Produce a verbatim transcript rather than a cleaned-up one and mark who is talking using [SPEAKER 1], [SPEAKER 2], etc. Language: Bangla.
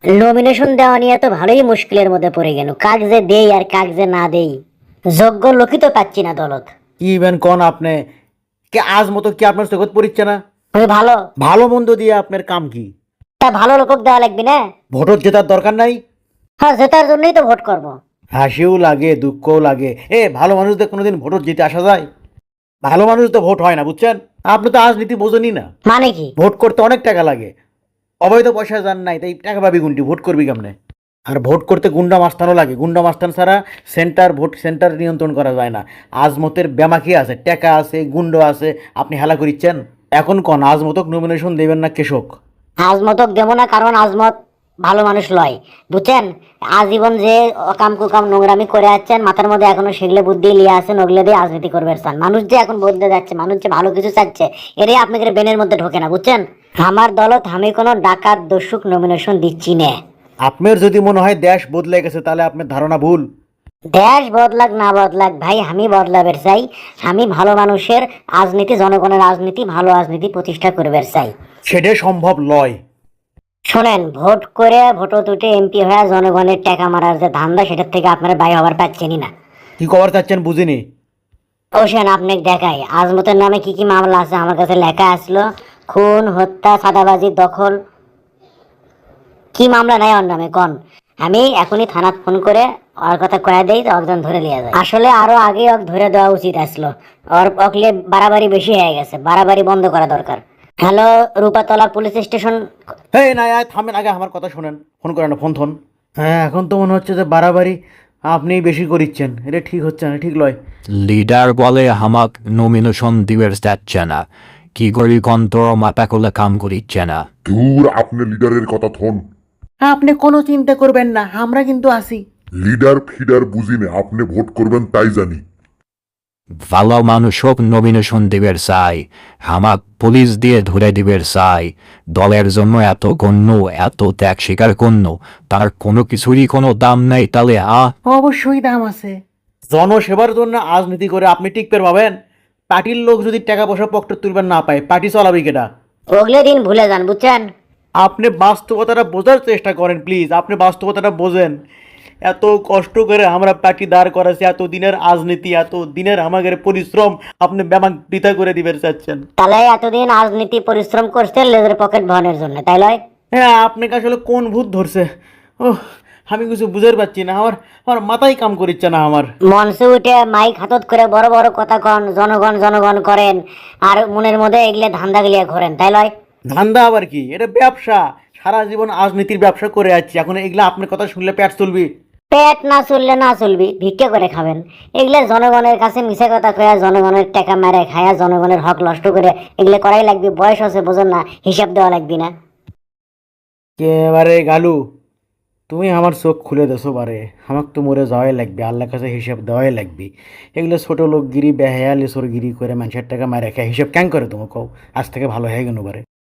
[SPEAKER 1] নমিনেশন দেওয়া নিয়ে তো ভালোই মুশকিলের মধ্যে পড়ে গেল, কাক যে দেই আর কাক যে না দেই, যোগ্য লোকই তো পাচ্ছি না দলত।
[SPEAKER 2] কি ইভেন কোন আপনি কে আজ মতো কি আপনার জগৎ পড়িচ্ছে না?
[SPEAKER 1] ওই ভালো,
[SPEAKER 2] ভালো মন্দ দিয়ে আপনার কাম কি?
[SPEAKER 1] তা ভালো লোক দেওয়া লাগবে না?
[SPEAKER 2] ভোটর জেতার দরকার নাই।
[SPEAKER 1] হ্যাঁ, জেতার জন্যই তো ভোট করব।
[SPEAKER 2] হাসিও লাগে দুঃখও লাগে। এ ভালো মানুষদের কোনোদিন ভোটর জিতে আসা যায়? ভালো মানুষ তো ভোট হয় না, বুঝছেন? আপনি তো রাজনীতি বোঝেনই না।
[SPEAKER 1] মানে কি?
[SPEAKER 2] ভোট করতে অনেক টাকা লাগে, অবৈধ পয়সা যান নাই, তাই টাকা পাবি গুনটি, ভোট করবি কেমনে? আর ভোট করতে গুন্ডা মাস্তানও লাগে, গুন্ডা মাস্তান ছাড়া সেন্টার ভোট সেন্টার নিয়ন্ত্রণ করা যায় না। আজমতের ব্যামাকি আছে, টাকা আছে, গুন্ড আছে, আপনি হেলা করিচ্ছেন। এখন কোন আজমতক নমিনেশন দেবেন না কেশক?
[SPEAKER 1] আজমতক দেবো না, কারণ আজমত ভালো মানুষ লয়, বুঝছেন? আজীবন যে অকাম কুকাম নোংরামি করে যাচ্ছেন, মাথার মধ্যে এখনো সেগুলো বুদ্ধি লিয়ে আছেন, ওগুলো দিয়ে রাজনীতি করবে চান। মানুষ যে এখন বদলে যাচ্ছে, মানুষ যে ভালো কিছু চাচ্ছে, এটাই আপনাদের বেনের মধ্যে ঢোকে না, বুঝছেন? আমার দলত আমি কোনো ডাকাত দস্যুক নমিনেশন দিচ্ছি না।
[SPEAKER 2] আপনার যদি মনে হয় দেশ বদলে গেছে, তাহলে আপনার ধারণা ভুল।
[SPEAKER 1] দেশ বদলাক না বদলাক ভাই, আমি বদলাবের চাই। আমি ভালো মানুষের রাজনীতি, জনগণের রাজনীতি, ভালো রাজনীতি প্রতিষ্ঠা করবার চাই।
[SPEAKER 2] সেটা সম্ভব লয়।
[SPEAKER 1] শোনেন, ভোট করে ভোটো তুটে এমপি হয়ে জনগণের টাকা মারার যে ধান্দা, সেটার থেকে আপনারা বাই হবার পাচ্ছেনই না।
[SPEAKER 2] কি কবার চাচ্ছেন বুঝিনি।
[SPEAKER 1] ওশেন আপনি দেখাই আজমতের নামে কি কি মামলা আছে, আমার কাছে লেখা আসলো। খুন, হত্যা, সাদাবাজি, দখল, কি মামলা নাই ওর নামে কন? আমি এখনই থানাত ফোন করে ওর কথা কয়ে দেই, তো একজন ধরে লিয়া যায়। আসলে আরো আগে ওকে ধরে দেওয়া উচিত আসলো। ওর অকলে বাড়াবাড়ি বেশি হয়ে গেছে, বাড়াবাড়ি বন্ধ করা দরকার। Hello, Rupatala police station.
[SPEAKER 2] হ্যাঁ না আয় থামেন, আগে আমার কথা শোনেন, ফোন করেন না, ফোন থন। হ্যাঁ এখন তো মনে হচ্ছে যে বাড়াবাড়ি আপনি বেশি করিচ্ছেন, এটা ঠিক হচ্ছে না, ঠিক লয়।
[SPEAKER 3] লিডার বলে হামাক নমিনেশন দিবের যাচ্ছে না, কি করি কন্তর মাপা করলে কাম করিচ্ছে না।
[SPEAKER 4] ধুর, আপনি লিডারের কথা থন।
[SPEAKER 2] আপনি কোনো চিন্তা করবেন না, আমরা কিন্তু আছি।
[SPEAKER 4] লিডার ফিডার বুঝি না, আপনি ভোট করবেন তাই জানি।
[SPEAKER 3] ভালো মানুষ হোক নমিনেশন দিবের চাই, হামাক পুলিশ দিয়ে ধরে দিবের চাই। দলের জন্য এত গণ্য, এত ত্যাগ স্বীকার গণ্য, তার কোনো কিছুরই কোনো দাম নাই, তাহলে আ
[SPEAKER 2] অবশ্যই দাম আছে। জনসেবার জন্য রাজনীতি করে আপনি টিকতে পাবেন? পার্টির লোক যদি টাকা পয়সা পকেটে তুলবেন না পায়, পার্টি চালাবি কেটা?
[SPEAKER 1] ওগুলো দিন ভুলে যান, বুঝছেন?
[SPEAKER 2] আপনি বাস্তবতাটা বোঝার চেষ্টা করেন প্লিজ, আপনি বাস্তবতাটা বোঝেন। এত কষ্ট করে আমরা পার্টি দাঁড় করাছি, এত দিনের রাজনীতি, এত দিনের আমাদের পরিশ্রম আপনি ব্যামাক বৃথা করে দিবেন চাচ্ছেন?
[SPEAKER 1] তাহলে এতদিন রাজনীতি পরিশ্রম করছেন লেজের পকেট ভরনের জন্য, তাই লয়?
[SPEAKER 2] হ্যাঁ আপনাকে আসলে কোন ভূত ধরছে? ও আমি কিছু বুঝতে পারছি না, আমার আমার মাথায় কাম করিচ্ছে না আমার।
[SPEAKER 1] মঞ্চে উঠে মাইক হাতত করে বড় বড় কথা কন, জনগণ জনগণ করেন, আর মনের মধ্যে এগুলো ধান্দা গিলিয়ে ঘোরেন, তাই লয়?
[SPEAKER 2] ধান্দা আবার কি? এটা ব্যবসা। সারা জীবন রাজনীতির ব্যবসা করে যাচ্ছি, এখন এগুলা আপনার কথা শুনলে পেট চলবি?
[SPEAKER 1] পেট না চললে না চলবি, ভিক্ষা করে খাবেন। এগুলো জনগণের কাছে মিছে কথা কয়া, জনগণের টাকা মেরে খায়া, জনগণের হক নষ্ট করে এগুলো করাই লাগবে। বয়স আছে বোঝেন না, হিসাব দেওয়া লাগবে না।
[SPEAKER 2] এবারে গালু, তুমি আমার চোখ খুলে দেছো বারে। আমাকে তো মরে যাওয়াই লাগবে, আল্লাহর কাছে হিসাব দেওয়াই লাগবে। এগুলো ছোট লোকগিরি বেহায়া লেসরগিরি করে মানুষের টাকা মারে খায়, হিসাব ক্যাং করে তুমি কও? আজ থেকে ভালো হয়ে গেল বারে।